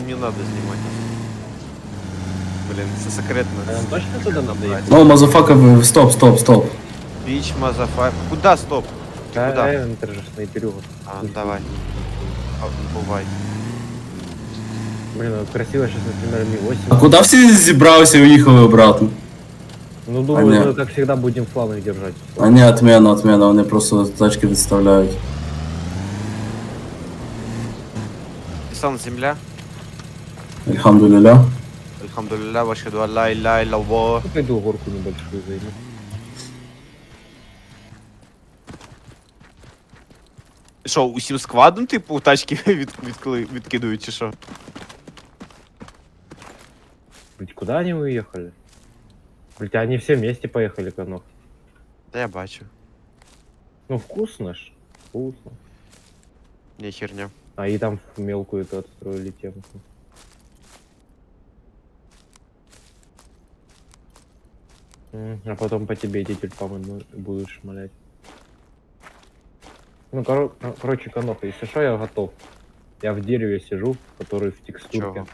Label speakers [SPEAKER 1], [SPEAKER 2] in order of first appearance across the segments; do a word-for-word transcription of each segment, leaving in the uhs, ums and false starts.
[SPEAKER 1] не надо снимать. Блин, это секретно.
[SPEAKER 2] А нам точно туда надо ехать?
[SPEAKER 3] О, мазафака, стоп, стоп, стоп.
[SPEAKER 1] Бич, мазафак. Куда стоп? Ты
[SPEAKER 2] Да,
[SPEAKER 1] куда?
[SPEAKER 2] Эвентер же снайперю.
[SPEAKER 1] А, давай. А, бывай.
[SPEAKER 2] Блин, ну красиво сейчас, например, Ми восемь.
[SPEAKER 3] А куди всі зібралися і уїхали обратно?
[SPEAKER 2] Ну, думаю,
[SPEAKER 3] А,
[SPEAKER 2] мы,
[SPEAKER 3] нет.
[SPEAKER 2] как всегда, будем фланг держать.
[SPEAKER 3] А ні, отмена, отмена, вони просто тачки відставляють.
[SPEAKER 1] Сан земля.
[SPEAKER 3] Альхамдулілля.
[SPEAKER 1] Альхамдулилля, вашхаду алла илля илlallah.
[SPEAKER 2] Ну, пойду горку небольшую займу.
[SPEAKER 1] Що, усім складом, типу, тачки від, відкли- відкидують, чи що?
[SPEAKER 2] Блять, куда они уехали? Блять, а они все вместе поехали, Конох.
[SPEAKER 1] Та я бачу.
[SPEAKER 2] Ну, вкусно ж. Вкусно.
[SPEAKER 1] Не херня.
[SPEAKER 2] А и там мелкую-то отстроили темку. М, А потом по тебе эти тюльпаны будут шмалять. Ну, коро- кор- короче, Коноха, если что, я готов. Я в дереве сижу, который в текстурке.
[SPEAKER 1] Чого?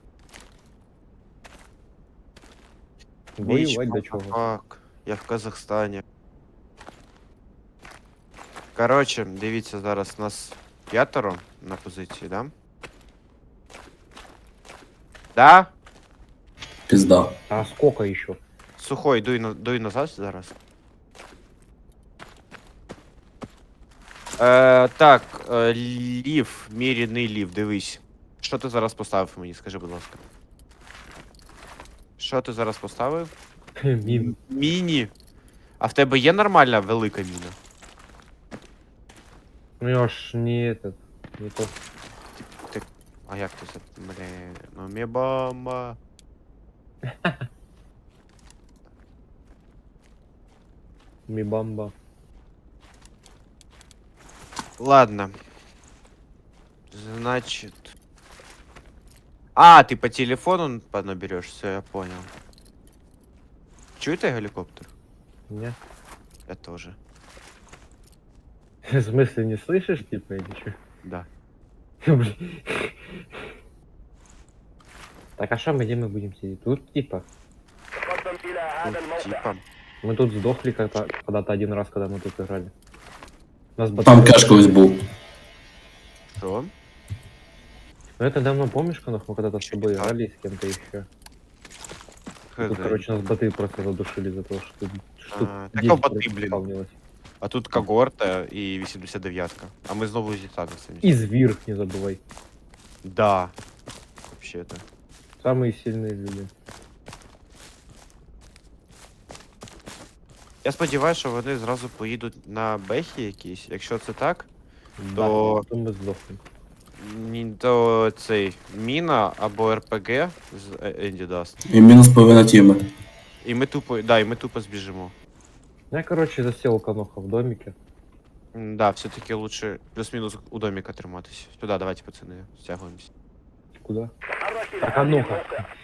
[SPEAKER 2] Воевать до чего?
[SPEAKER 1] Фак. Я в Казахстані. Короче, дивіться, зараз нас п'ятеро на позиції, да? Да?
[SPEAKER 3] Пізда.
[SPEAKER 2] А сколько еще?
[SPEAKER 1] Сухой, дуй, на, дуй назад зараз. Е, так, е, лів, міряний лів, дивись. Що ти зараз поставив мені, скажи, будь ласка. Що ти зараз поставив?
[SPEAKER 2] Мин.
[SPEAKER 1] Міні. А в тебе є нормальна велика міна?
[SPEAKER 2] Ну я ж не этот, не то.
[SPEAKER 1] Ти... А як ти це? Блін, ну мє бомба.
[SPEAKER 2] Мибамба.
[SPEAKER 1] Ладно. Значит... А, ты по телефону наберешь, все, я понял. Чуете геликоптер?
[SPEAKER 2] Не.
[SPEAKER 1] Я тоже.
[SPEAKER 2] В смысле, не слышишь, типа, или что?
[SPEAKER 1] Да.
[SPEAKER 2] Блин. Так, а что мы, где мы будем сидеть? Тут, типа.
[SPEAKER 1] Ну, типа.
[SPEAKER 2] Мы тут сдохли когда-то когда-то один раз, когда мы тут играли. Нас
[SPEAKER 3] Там
[SPEAKER 2] батарея-
[SPEAKER 3] кеш колись був.
[SPEAKER 1] Что?
[SPEAKER 2] Ну это давно, помнишь, Конох, мы когда-то с тобой
[SPEAKER 1] Да.
[SPEAKER 2] играли с кем-то еще. Тут, короче, нас боты просто задушили за то, что тут штук
[SPEAKER 1] А, так,
[SPEAKER 2] десять
[SPEAKER 1] а боты,
[SPEAKER 2] просто
[SPEAKER 1] блин.
[SPEAKER 2] спавнилось.
[SPEAKER 1] А тут когорта і вісімдесят дев'ятка. А ми знову зі статусами.
[SPEAKER 2] И Звир, не забывай.
[SPEAKER 1] Да. Вообще-то.
[SPEAKER 2] Самые сильные люди.
[SPEAKER 1] Я сподіваюся, що вони зразу поїдуть на бехі якісь. Якщо це так,
[SPEAKER 2] Да,
[SPEAKER 1] То-
[SPEAKER 2] то мы сдохнем.
[SPEAKER 1] ні- то цей міна або РПГ з Е- Енді даст.
[SPEAKER 3] І мінус половина тіми.
[SPEAKER 1] І ми тупо, да, і ми тупо збіжимо.
[SPEAKER 2] Я, короче, засел Коноха в домике.
[SPEAKER 1] М, Да, все-таки лучше плюс-мінус у доміка триматись. Сюди, давайте, пацани, стягуємось.
[SPEAKER 2] Куда? Так, а ну-ка.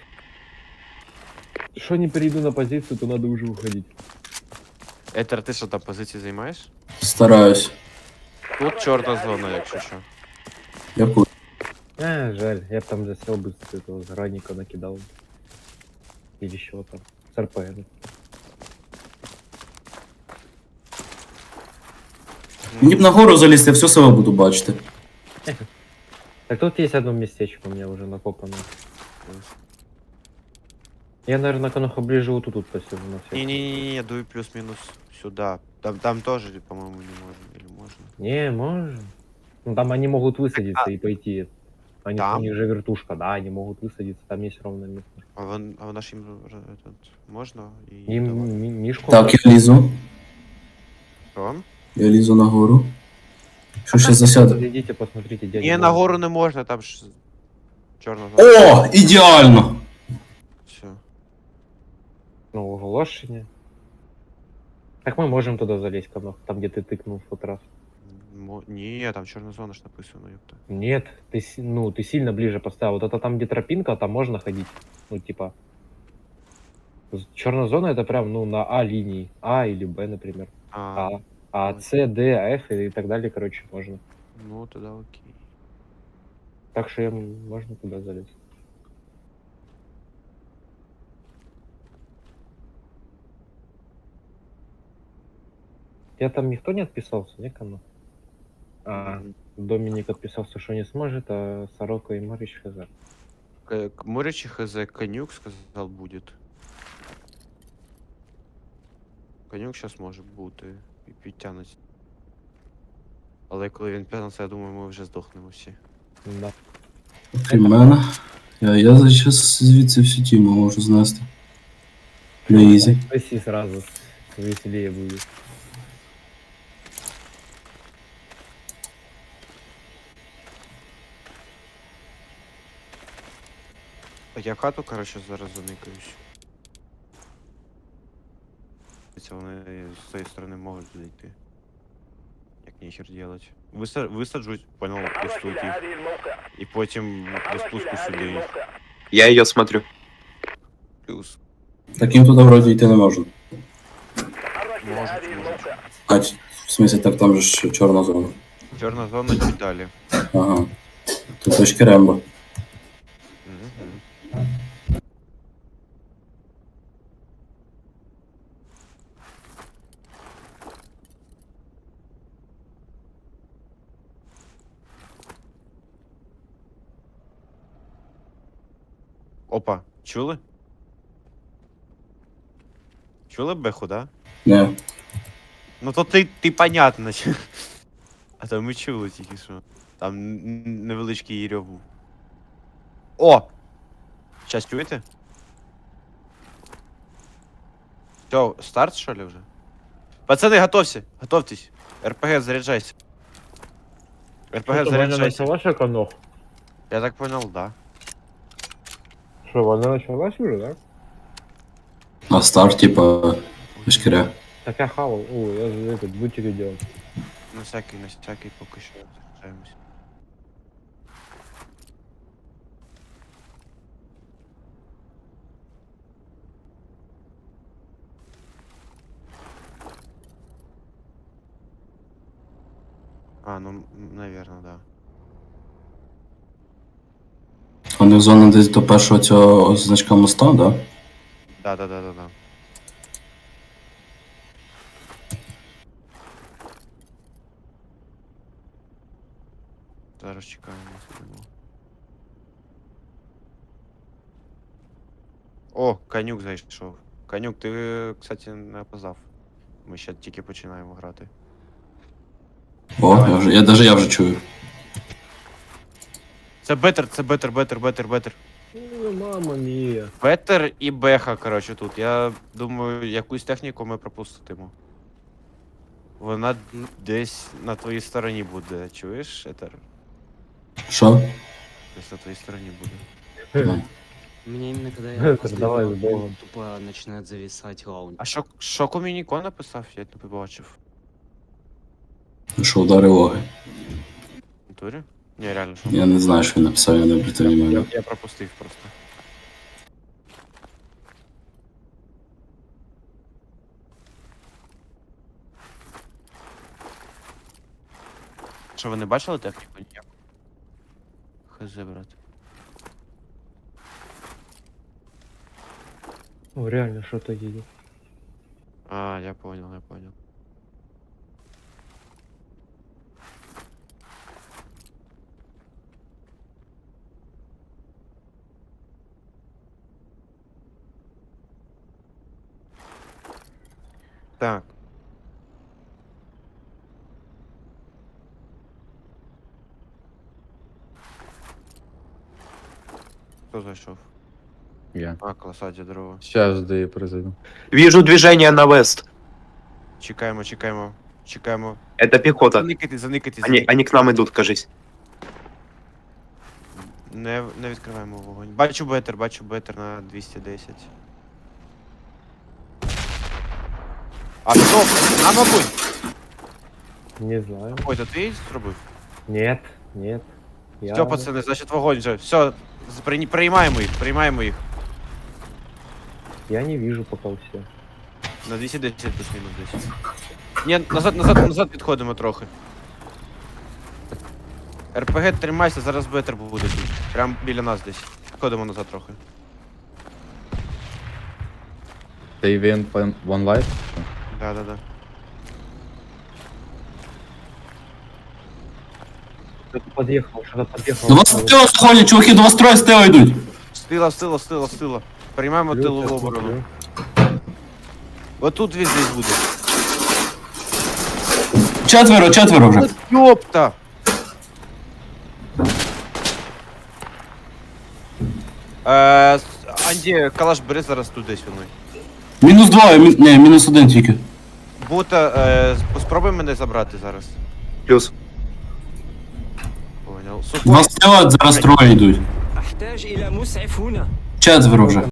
[SPEAKER 2] Что не перейду на позицию, то надо уже уходить.
[SPEAKER 1] Етер, ти що там позиції займаєш?
[SPEAKER 3] Стараюсь.
[SPEAKER 1] Тут чорна зона, якщо що.
[SPEAKER 3] Я пу-
[SPEAKER 2] А, жаль, я б там засел бы с этого зараника накидал. Или еще там. С РПН.
[SPEAKER 3] Мені б на гору залізти, я все село буду бачити.
[SPEAKER 2] Так тут есть одно местечко у меня уже накопано. Я, наверное, Коноха ближе вот тут, тут посижу на всякий.
[SPEAKER 1] Ні-ні-ні, дуй плюс-мінус сюди. Там, там теж, по-моєму, не можна. Или можна?
[SPEAKER 2] Не, можно. Ну там они могут высадиться и пойти. Они,
[SPEAKER 1] Там?
[SPEAKER 2] У них же вертушка, да, они могут высадиться, там есть ровно место.
[SPEAKER 1] А вон, а вона ж їм р- этот, можна? І
[SPEAKER 2] Им
[SPEAKER 1] давай.
[SPEAKER 2] ми- Мишку...
[SPEAKER 3] Так, я лізу.
[SPEAKER 1] Що?
[SPEAKER 3] Я лізу на гору. Що ще засяде?
[SPEAKER 2] Идите, посмотрите, дядя.
[SPEAKER 1] Ні,
[SPEAKER 2] Ваня.
[SPEAKER 1] на гору не можна, там ж чорна зона.
[SPEAKER 3] О, ідеально!
[SPEAKER 1] Все.
[SPEAKER 2] Ну, оголошення. Так мы можем туда залезть, Конох, там где ты тыкнул в тот раз.
[SPEAKER 1] Мо... Ні, там чорна зона ж написано, ёпта.
[SPEAKER 2] Нет, ты, си- ну, ты сильно ближе поставил. Вот это там, где тропинка, там можно ходить. Ну, типа... Черная зона это прям, ну, на А линии. А или Б, например.
[SPEAKER 1] А,
[SPEAKER 2] А. А С, Д, Ф и так далее, короче, можно.
[SPEAKER 1] ну тоді окей.
[SPEAKER 2] Так что я м- можно туда залезть. тебя там никто не отписался, не, Кану? А,
[SPEAKER 1] М,
[SPEAKER 2] Доминик отписался, что не сможет, а Сорока и Марич хз.
[SPEAKER 1] К- к Муричі хз, конюк сказав будет. Конюк зараз може бути і підтягнеться. Але коли він підтягнеться, я думаю, ми вже здохнемо всі.
[SPEAKER 2] Да.
[SPEAKER 3] Крім мене. Я, я зараз звідси всю тіму можу знести. На ізі.
[SPEAKER 2] Спаси сразу, веселее будет.
[SPEAKER 1] Так я хату, коротше, зараз заникаюсь. Це вони з цієї сторони можуть зайти. Як ніхер делать. Виса... Висаджують, понял, ось тут їх. І потім до спуску сюди їх.
[SPEAKER 4] Я ее смотрю.
[SPEAKER 1] Плюс.
[SPEAKER 3] Таким туди вроді йти не можна.
[SPEAKER 1] Можуть, можуть.
[SPEAKER 3] А, ч- в смысле, так там же ж чорна зона.
[SPEAKER 1] Чорна зона чуть далі.
[SPEAKER 3] Ага. Тут точки Рембо.
[SPEAKER 1] Мгм. Опа, чули? Чули беху, да?
[SPEAKER 3] Не.
[SPEAKER 1] Ну то ти, ти понятно. чо- А то ми чули тільки що. Там н- н- невеличкий їрьов був. О! Щас чуєте? Все, старт, що ли, вже? Пацани, готовься, готовьтесь. РПГ, заряджайся. РПГ,
[SPEAKER 2] Что, война
[SPEAKER 1] заряджайся.
[SPEAKER 2] началась, Аканох?
[SPEAKER 1] Я так понял, да.
[SPEAKER 2] Что, война началась уже, да?
[SPEAKER 3] А старт, типа, точки.
[SPEAKER 2] Так я хавал. О, я же этот бутики делал.
[SPEAKER 1] На всякий, на всякий поки що заряджаємось. А, ну, м, наверно, да.
[SPEAKER 3] Вони в зоні десь до першого цього значка моста, да?
[SPEAKER 1] Да, да, да, да, да. Зараз чекаємо, сидимо. О, конюк зайшов. Конюк, ти, кстати, не опоздав. Ми ще тільки починаємо грати.
[SPEAKER 3] О, я вже, я даже я вже чую.
[SPEAKER 1] Це бетер, це бетер, бетер, бетер, бетер.
[SPEAKER 2] Ну, мама мия.
[SPEAKER 1] Бетер і беха, коротше, тут. Я думаю, якусь техніку ми пропустимо. Вона десь на твоїй стороні буде, чуєш, Етер?
[SPEAKER 3] Що?
[SPEAKER 1] Десь на твоїй стороні буде.
[SPEAKER 3] Ну.
[SPEAKER 5] Мне именно когда я
[SPEAKER 2] Это
[SPEAKER 5] после
[SPEAKER 2] давай
[SPEAKER 5] него
[SPEAKER 2] с Богом.
[SPEAKER 5] тупо начинает зависать раунд.
[SPEAKER 1] А що, що Комініко написав? Я не побачив.
[SPEAKER 3] Що удари логи.
[SPEAKER 1] В натурі? Ні, реально, що?
[SPEAKER 3] Я не знаю, що він написав, я не обратив
[SPEAKER 1] Я,
[SPEAKER 3] внимання.
[SPEAKER 1] я пропустив просто. Що, ви не бачили техніку ніяку? Хз, брат.
[SPEAKER 2] О, реально что-то едет.
[SPEAKER 1] А, я понял, я понял. Так. Хто зайшов?
[SPEAKER 6] Я.
[SPEAKER 1] А, класаді дрова.
[SPEAKER 6] Сейчас да я произойду.
[SPEAKER 4] Вижу движение на вест.
[SPEAKER 1] Чекаємо, чекаємо, чекаємо.
[SPEAKER 4] Это пехота.
[SPEAKER 1] Заникайте, заникайте,
[SPEAKER 4] Они,
[SPEAKER 1] заникайте.
[SPEAKER 4] они к нам идут, кажись.
[SPEAKER 1] Не, не відкриваємо вогонь. Бачу бетер, бачу бетер на двісті десять. А хто? А, мабуть!
[SPEAKER 2] Не знаю.
[SPEAKER 1] Ой, то ти зробив?
[SPEAKER 2] Нет, нет. Я...
[SPEAKER 1] Все, пацани, значить вогонь вже. Все, при- приймаємо їх, приймаємо їх.
[SPEAKER 2] Я не вижу пока все.
[SPEAKER 1] На двісті десять плюс-мінус десь. Ні, назад, назад, назад відходимо трохи. РПГ тримайся, зараз бетер буде тут. Прям біля нас десь. Відходимо назад трохи.
[SPEAKER 6] Ты ивент One Life?
[SPEAKER 1] Да, да, да.
[SPEAKER 2] Кто-то подъехал, что-то подъехал.
[SPEAKER 3] До вас стила заходять, чуваки, до вас троє з тила йдуть.
[SPEAKER 1] Стила, стила, стила, стила. Приймаємо
[SPEAKER 2] Плюс,
[SPEAKER 1] тилову
[SPEAKER 2] я
[SPEAKER 1] оборону.
[SPEAKER 2] смотрю.
[SPEAKER 1] Отут він десь буде.
[SPEAKER 3] Четверо, четверо вже.
[SPEAKER 1] Ёпта! Е, с- Анді, калаш бери зараз тут десь воно.
[SPEAKER 3] Мінус два, мі... ні, мінус один тільки.
[SPEAKER 1] Бута, е, спробуй мене забрати зараз.
[SPEAKER 4] Плюс.
[SPEAKER 1] Понял.
[SPEAKER 3] Два
[SPEAKER 1] Сухой,
[SPEAKER 3] стила, зараз троє йдуть.
[SPEAKER 7] أحتاج إلى مسعف هنا.
[SPEAKER 3] Четверо вже.